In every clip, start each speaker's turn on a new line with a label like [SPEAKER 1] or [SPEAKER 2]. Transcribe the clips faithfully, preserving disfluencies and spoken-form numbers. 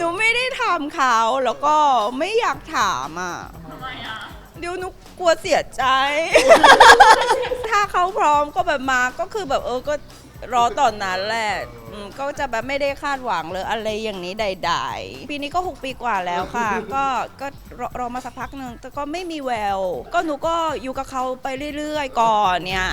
[SPEAKER 1] นูไม่ได้ถามเขาแล้วก็ไม่อยากถามอ่ะ
[SPEAKER 2] ทำไมอ่ะ
[SPEAKER 1] เดี๋ยวหนูกลัวเสียใจ ถ้าเขาพร้อมก็แบบมาก็คือแบบเออก็รอตอนนั้นแหละอืมก็จะแบบไม่ได้คาดหวังเลยอะไรอย่างนี้ใดๆปีนี้ก็หกปีกว่าแล้วค่ะ ก็ก็รอรอมาสักพักหนึ่งแต่ก็ไม่มีแววก็หนูก็อยู่กับเขาไปเรื่อยๆก่อนเนี่ย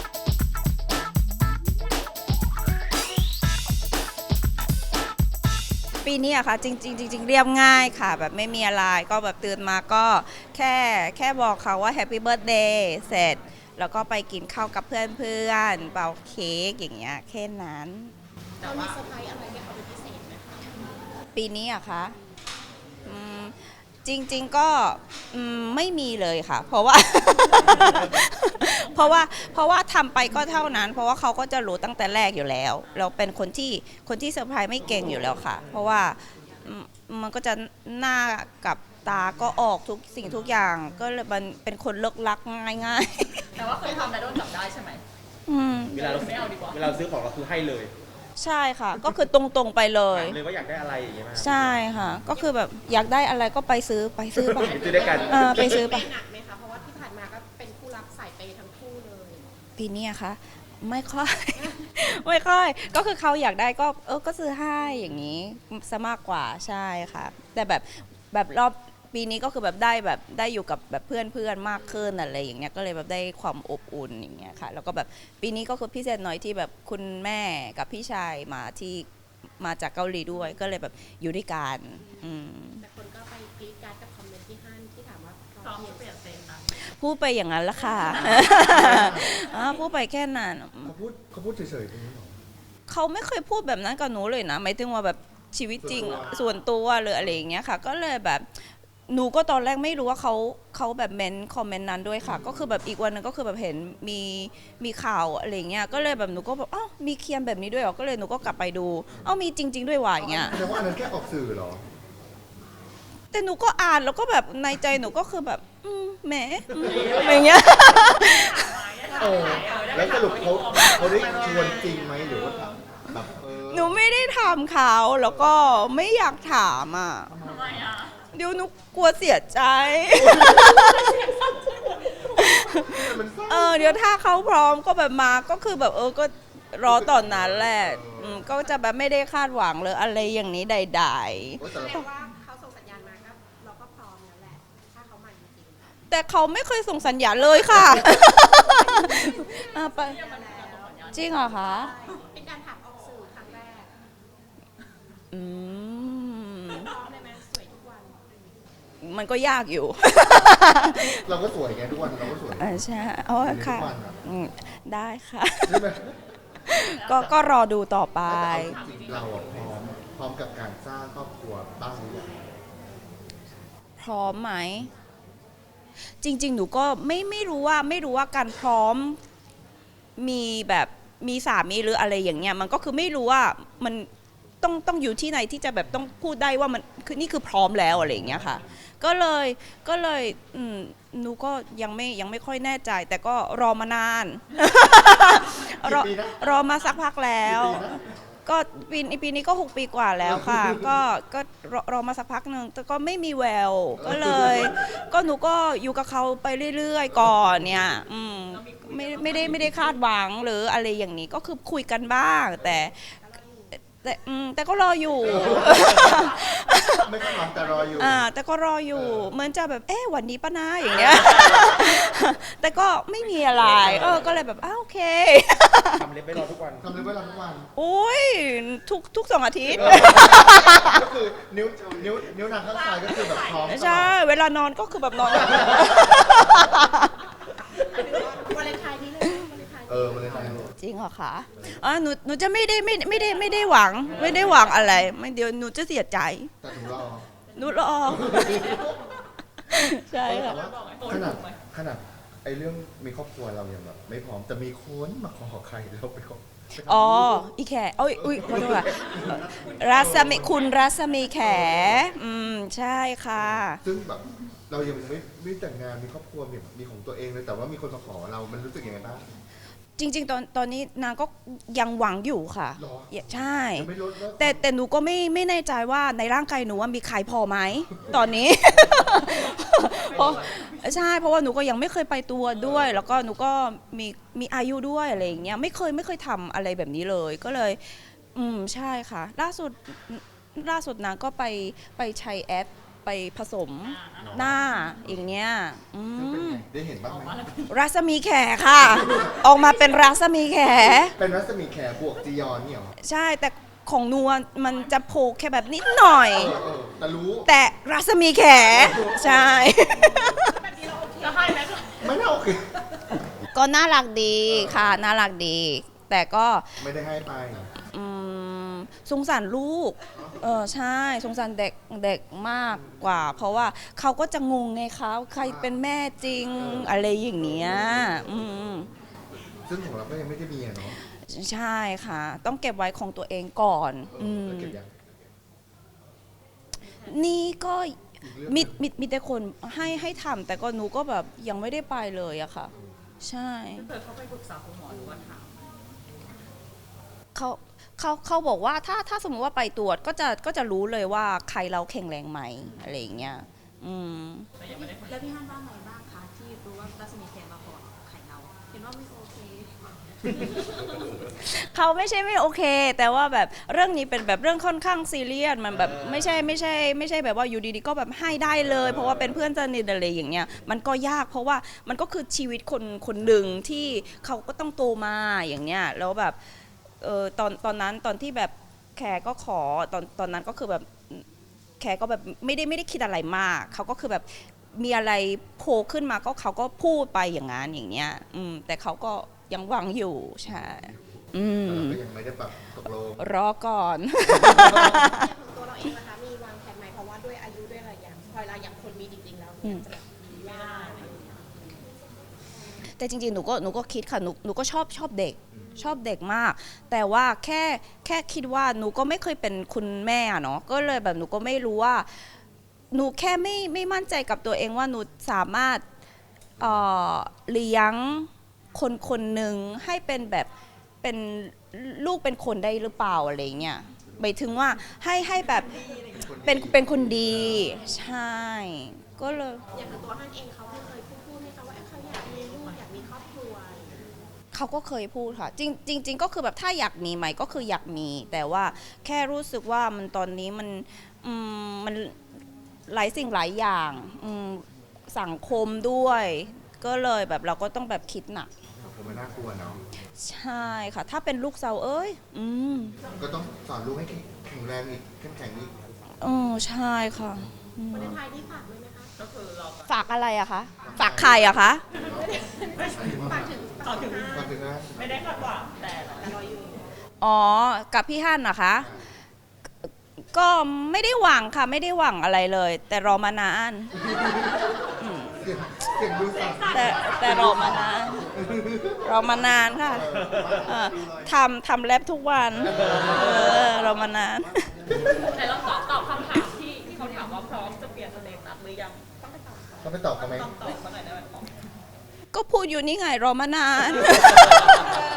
[SPEAKER 1] ปีนี้อะค่ะจริงๆจริงๆเรียบง่ายค่ะแบบไม่มีอะไรก็แบบตื่นมาก็แค่แค่บอกเขาว่า Happy Birthday เสร็จแล้วก็ไปกินข้าวกับเพื่อนๆเป่าเค้กอย่างเงี้ยแค่นั้น
[SPEAKER 2] เรามีเซอร์ไพรส์อะไรให้เขาเป็นพิเศษไหมคะ
[SPEAKER 1] ปีนี้อะคะอืมจริงๆก็อืมไม่มีเลยค่ะ เพราะว่า เพราะว่าเพราะว่าทำไปก็เท่านั้น เพราะว่าเขาก็จะรู้ตั้งแต่แรกอยู่แล้ว เราเป็นคนที่คนที่เซอร์ไพรส์ไม่เก่งอยู่แล้วค่ะ เพราะว่าอืมมันก็จะหน้ากับตาก็ออกทุกสิ่งทุกอย่างก็เลยมันเป็นคนเลิกลักง่าย
[SPEAKER 2] แต่ว่าเคยทำแล้วโดนจับได้ใช่ไหม
[SPEAKER 1] ๆอืม
[SPEAKER 3] เวลาเรา
[SPEAKER 2] ไม่เอาดีกว่า
[SPEAKER 3] เวลาเราซื้อของเราคือให้เลย
[SPEAKER 1] ใช่ค่ะ ก็คือตรงๆไปเลย
[SPEAKER 3] ถามเลยว่าอยากได้อะไรอย่างเงี้ยไหม
[SPEAKER 1] ใช่ค่ะ ก็คือแบบอยากได้อะไรก็ไปซื้อไปซื้อไป
[SPEAKER 3] ไปซื้อด้วยกัน
[SPEAKER 1] เออไปซื้อไป
[SPEAKER 4] เปย์หนักไหมคะ เพราะว่าที่ผ่านมาก็เป็นคู่รักสายเปย์ทั้งคู่เลย
[SPEAKER 1] ปีนี้อะคะไม่ค่อย ไม่ค่อย ก็คือเขาอยากได้ก็เออก็ซื้อให้อย่างนี้ซะมากกว่าใช่ค่ะ แต่แบบแบบรอบปีนี้ก็คือแบบได้แบบได้อยู่กับแบบเพื่อนเพื่อนมากขึ้นอะไรอย่างเงี้ยก็เลยแบบได้ความอบอุ่นอย่างเงี้ยค่ะแล้วก็แบบปีนี้ก็คือพิเศษหน่อยที่แบบคุณแม่กับพี่ชายมาที่มาจากเกาหลีด้วยก็เลยแบบอยู่ด้วยกันอืม
[SPEAKER 4] แต่คนก็ไปกรี๊ดกรารกับคอมเมนต์ที่ฮั่นที่ถามว่า
[SPEAKER 2] พร้อมจะเปลี่ยนเซนนะ
[SPEAKER 1] พูดไปอย่างนั้นละค่ะ อ่าพูดไปแค่นั้น
[SPEAKER 5] เขาพูดเขาพูดเฉยๆตรงนี้หรอ
[SPEAKER 1] เขาไม่เคยพูดแบบนั้นกับหนูเลยนะหมายถึงว่าแบบชีวิตจริงส่วนตัวหรืออะไรอย่างเงี้ยค่ะ ก็เลยแบบหนูก็ตอนแรกไม่รู้ว่าเขาเขาแบบเมนคอมเมนต์นั้นด้วยค่ะ ก็คือแบบอีกวันหนึงก็คือแบบเห็นมีมีข่าวอะไรอย่างเงี้ยก็เลยแบบหนูก็แบบอ้าวมีเคียนแบบนี้ด้วยเหรอก็เลยหนูก็กลับไปดูอ้าวมีจริง ๆ ด้วยว่ะอย่างเงี้ย
[SPEAKER 5] แสดงว่าอันนั้นแค่ออกสื่อเหรอ
[SPEAKER 1] แต่หนูก็อ่านแล้วก็แบบในใจหนูก็คือแบบอืมแหมอืมอะไรอย่างเงี้ย
[SPEAKER 5] เออ แล้วสรุปเขาเขาได้ชวนจริงไหมหรือว่าแบบเออ
[SPEAKER 1] หนูไม่ได้ถามเขาแล้วก็ไม่อยากถามอ่ะ
[SPEAKER 2] ทำไมอ่ะ
[SPEAKER 1] เดี๋ยวหนูกลัวเสียใจ
[SPEAKER 5] มันเศร้า
[SPEAKER 1] เออเดี๋ยวถ้าเขาพร้อมก็แบบมาก็คือแบบเออก็รอตอนนั้นแหละอืมก็จะแบบไม่ได้คาดหวังเลยอะไรอย่างนี้ใด
[SPEAKER 5] โอ๊ยแต่
[SPEAKER 4] แส
[SPEAKER 5] ละ
[SPEAKER 4] ดงว่าเขาส่งสัญญาณมาก็เราก็พร้อมแล้วแหละ ถ้าเขามาจริง
[SPEAKER 1] ๆแต่เขาไม่เคยส่งสัญญาณเลยค่ะ อ่ะไปจริงเหรอคะ
[SPEAKER 4] ๆเป็นการถามออกสื่อครั้งแรก
[SPEAKER 1] อืม
[SPEAKER 4] พร้อมเลยไหมสวยทุกวัน
[SPEAKER 1] มันก็ยากอยู่
[SPEAKER 5] เราก็สวยไงทุกวันเราก็สวย
[SPEAKER 1] อ่าใช่โอ้ค่ะ
[SPEAKER 5] ทุกวันอะ
[SPEAKER 1] อืมได้ค่ะ
[SPEAKER 5] ใช่ไหม
[SPEAKER 1] ก็ก็รอดูต่อไป
[SPEAKER 5] แต่เอาจริงๆเราอะพร้อมพร้อมกับการสร้างครอบครัวบ้างหรือยัง
[SPEAKER 1] พร้อมไหม จริง ๆ หนูก็ไม่ไม่รู้ว่าไม่รู้ว่าการพร้อมมีแบบมีสามีหรืออะไรอย่างเงี้ยมันก็คือไม่รู้ว่ามันต้องต้องอยู่ที่ไหนที่จะแบบต้องพูดได้ว่ามันคือนี่คือพร้อมแล้วอะไรอย่างเงี้ยค่ะ ก็เลยก็เลยอืมหนูก็ยังไม่ยังไม่ค่อยแน่ใจ แต่ก็รอมานาน รอ
[SPEAKER 5] กี่ปีนะ
[SPEAKER 1] รอมาสักพักแล้ว
[SPEAKER 5] กี่ปีนะ
[SPEAKER 1] ก็ปีปีนี้ก็หกปีกว่าแล้วค่ะ ก็ก็รอรอมาสักพักหนึ่งแต่ก็ไม่มีแววก็เลย ก็หนูก็อยู่กับเขาไปเรื่อยๆก่อนเนี่ยอืมไม่ไม่ได้ไม่ได้คาดหวังหรืออะไรอย่างนี้ก็คือคุยกันบ้าง แต่แต่อืมแต่ก็รออยู่
[SPEAKER 5] ไม่ต้องหวังแต่รออยู่
[SPEAKER 1] อ่าแต่ก็รออยู่เหมือนจะแบบเอ๊ะวันนี้ปะนะอย่างเงี้ย แต่ก็ไม่มีอะไรเออก็เลยแบบอ้าวโอเค
[SPEAKER 3] ทำเล็บไม่รอทุกวัน
[SPEAKER 5] ทำเลยเวลาทุกวัน
[SPEAKER 1] โอ้ยทุกทุกสองอาทิตย์
[SPEAKER 5] ก็คือนิ้วนิ้วนิ้วนางข้างซ้ายก็คือแบบพร้อมตลอด
[SPEAKER 1] ใช่ เวลานอนก็คือแบบนอน
[SPEAKER 4] วาเลนไทน์นี้เลยไหมวาเลนไทน์
[SPEAKER 5] เออมันเลยทำให้
[SPEAKER 1] จริงเหรอคะอ่าหนูหนูจะไม่ได้ไม่ไม่ได้ไม่ได้หวัง ไม่ได้หวังอะไร ไม่เดี๋ยวหนูจะเสียใจ
[SPEAKER 5] แต่ถึงรอ
[SPEAKER 1] หนูรอ ใช่ค่ะ
[SPEAKER 5] แต่ว่าขนาดขนาดไอ้เรื่องมีครอบครัวเรายังแบบไม่พร้อมแต่มีคนมาขอใครแล้วไปขอไปทำ
[SPEAKER 1] อ๋อ
[SPEAKER 5] ลูก
[SPEAKER 1] อีแขโอ้ยอุ้ยขอโทษค่ะรัศมีคุณรัศมีแข อืม ใช่ค่ะ
[SPEAKER 5] ซึ่งแบบเรายังไม่ไม่แต่งงานมีครอบครัวมีมีของตัวเองเลยแต่ว่ามีคนมาขอเรา มันรู้สึกยังไงบ้าง
[SPEAKER 1] จริง ๆ ตอนตอนนี้นางก็ยังหวังอยู่ค่ะ
[SPEAKER 5] หรอ
[SPEAKER 1] ใช่
[SPEAKER 5] ยังไม่ลดเลิก
[SPEAKER 1] แต่แต่หนูก็ไม่ไม่แน่ใจว่าในร่างกายหนูว่ามีใครพอไหมตอนนี้ เพราะใช่เพราะว่าหนูก็ยังไม่เคยไปตัวด้วย แล้วก็หนูก็มีมีอายุด้วยอะไรอย่างเงี้ยไม่เคยไม่เคยทำอะไรแบบนี้เลย ก็เลย อืมใช่ค่ะ ล่าสุดล่าสุดนางก็ไปไปใช้แอปไปผสมหน้าอย่างเงี้ยอื
[SPEAKER 5] ซึ่งเป็น
[SPEAKER 1] ม
[SPEAKER 5] ไงได้เห็นบ้างไหม
[SPEAKER 1] รัศมีแขค่ะ ออกมาเป็นรัศมีแข
[SPEAKER 5] เป็นรัศมีแขบวกจียอนเนี่ยเหรอ
[SPEAKER 1] ใช่แต่ของนัวมันจะโผล่แค่แบบนิดหน่อย
[SPEAKER 5] เออเออแต่รู้
[SPEAKER 1] แต่รัศมีแขใช่
[SPEAKER 2] จะให้ไหมคะ
[SPEAKER 5] ไม่น่าโอเค
[SPEAKER 1] ก็น่ารักดีค่ะน่ารักดี แต่ก็
[SPEAKER 5] ไม่ได้ให้ไป
[SPEAKER 1] อืมสงสารลูกเออใช่สงสารเด็กเด็กมากกว่า เพราะว่าเขาก็จะงงไงคะใครเป็นแม่จริงอะไรอย่างเนี้ยอืม
[SPEAKER 5] ซึ่งของเราก็ยังไม่ได้มีอะเนาะ
[SPEAKER 1] ใช่ค่ะ ต้องเก็บไว้ของตัวเองก่อน
[SPEAKER 5] เอ
[SPEAKER 1] อื
[SPEAKER 5] อ
[SPEAKER 1] ม
[SPEAKER 5] แล้วเก็บยัง
[SPEAKER 1] นี่ก็
[SPEAKER 5] อีกเรื่องห
[SPEAKER 1] มี
[SPEAKER 5] นึ่ง
[SPEAKER 1] มีมีแต่คนให้ให้ทำแต่ก็หนูก็แบบยังไม่ได้ไปเลยอะค่ะ ใช่
[SPEAKER 2] เคยเข้าไปปรึกษาคุณหมอหรือว่าถาม
[SPEAKER 1] เขาเขาเขาบอกว่าถ้าถ้าสมมติว่าไปตรวจก็จะก็จะรู้เลยว่าใครเราแข็งแรงไหมอะไรอย่างเงี้ยอืม
[SPEAKER 2] แต่ยังไม่ได้คุย
[SPEAKER 4] แล้วพี่ฮันว่าไงบ้างคะที่รู้ว่ารัศมีแขมาขอไข่เรา เห็นว่าไม่โอเค
[SPEAKER 1] เขาไม่ใช่ไม่โอเค แต่ว่าแบบเรื่องนี้เป็นแบบเรื่องค่อนข้างซีเรียสมันแบบไม่ใช่ไม่ใช่ไม่ใช่แบบว่าอยู่ดีๆก็แบบให้ได้เลย เพราะว่าเป็นเพื่อนสนิทอะไรอย่างเงี้ยมันก็ยากเพราะว่ามันก็คือชีวิตคนคนหนึ่งที่เขาก็ต้องโตมาอย่างเงี้ยแล้วแบบเออตอนตอนนั้นตอนที่แบบแขกก็ขอตอนตอนนั้นก็คือแบบแขกก็แบบไม่ได้ไม่ได้คิดอะไรมากเขาก็คือแบบมีอะไรโผล่ขึ้นมาก็เขาก็พูดไปอย่างนั้นอย่างเงี้ยอืมแต่เขาก็ยังหวังอยู่ใช่อืม
[SPEAKER 5] แต่เราก็ยังไม่ได้แบบตกลง
[SPEAKER 1] รอก่อน
[SPEAKER 4] ของตัวเราเองนะคะ มีวางแผนไหมเพราะว่าด้วยอายุด้วยอะไรอย่างพอเราอย่างคนมีจริงๆแล้วเนี่ยจะแบบมียากอะไรอย่างเงี้ย
[SPEAKER 1] แต่จริงๆ หนูก็หนูก็คิดค่ะ หนูหนูก็ชอบชอบเด็ก ชอบเด็กมาก แต่ว่าแค่แค่คิดว่าหนูก็ไม่เคยเป็นคุณแม่อะเนาะ ก็เลยแบบหนูก็ไม่รู้ว่า หนูแค่ไม่ไม่มั่นใจกับตัวเองว่าหนูสามารถเอ่อเลี้ยงคนคนหนึ่งให้เป็นแบบเป็นลูกเป็นคนได้หรือเปล่าอะไรเงี้ยหมายถึงว่าให้ให้แบบเป็นเป็นคนดี ใช่ ก็เลย
[SPEAKER 4] อย่างตัวฮันเองเขาไม่เคยพูดพูดให้เขาว่าเอ้ยเขาอยากมีลูกอยากมีครอบครัวอะไรอย่างเงี้ย
[SPEAKER 1] เขาก็เคยพูดค่ะ จริงจริงจริงก็คือแบบถ้าอยากมีไหมก็คืออยากมี แต่ว่าแค่รู้สึกว่ามันตอนนี้มันอืมมันหลายสิ่งหลายอย่างอืมสังคมด้วย ก็เลยแบบเราก็ต้องแบบคิดหนัก
[SPEAKER 5] ผมมันน่ากลัวเนาะ
[SPEAKER 1] ใช่ค่ะ ถ้าเป็นลูกสาวเอ้ย อืม
[SPEAKER 5] ก็ต้องสอนลูกให้แข็งแรงอีกเข้มแข็งอีก
[SPEAKER 1] เออใช่ค่ะอืม
[SPEAKER 4] วันเลนไทน์นี่ฝากไว้ไหมคะ
[SPEAKER 2] ก็คือเรา
[SPEAKER 1] ฝากอะไรอะคะ ฝากใครอะคะ
[SPEAKER 4] ฝากถึง
[SPEAKER 2] เอาถึง
[SPEAKER 5] มาถึงนะ
[SPEAKER 2] ไม่ได้คาดหวังแต่
[SPEAKER 4] แต่รออยู่
[SPEAKER 1] อ๋อ กับพี่ฮั่นนะคะ ก็ไม่ได้หวังค่ะ ไม่ได้หวังอะไรเลย แต่รอมานานอืม
[SPEAKER 5] เสียงเสียงดูสั่น
[SPEAKER 1] แต่แต่รอมานานรอมานานค่ะเออทำทำแรปทุกวันเออรอมานาน
[SPEAKER 2] แต่เราตอบตอบคำถามที่ที่เขาถามว่าพร้อมจะเปลี่ยนสเตตัสหรือยังต้องไปตอบ
[SPEAKER 5] ต้องไปตอบเขาไหม
[SPEAKER 2] ต้องตอบเขาหน่อยได้ไหม
[SPEAKER 1] ก็พูดอยู่นี่ไงรอมานาน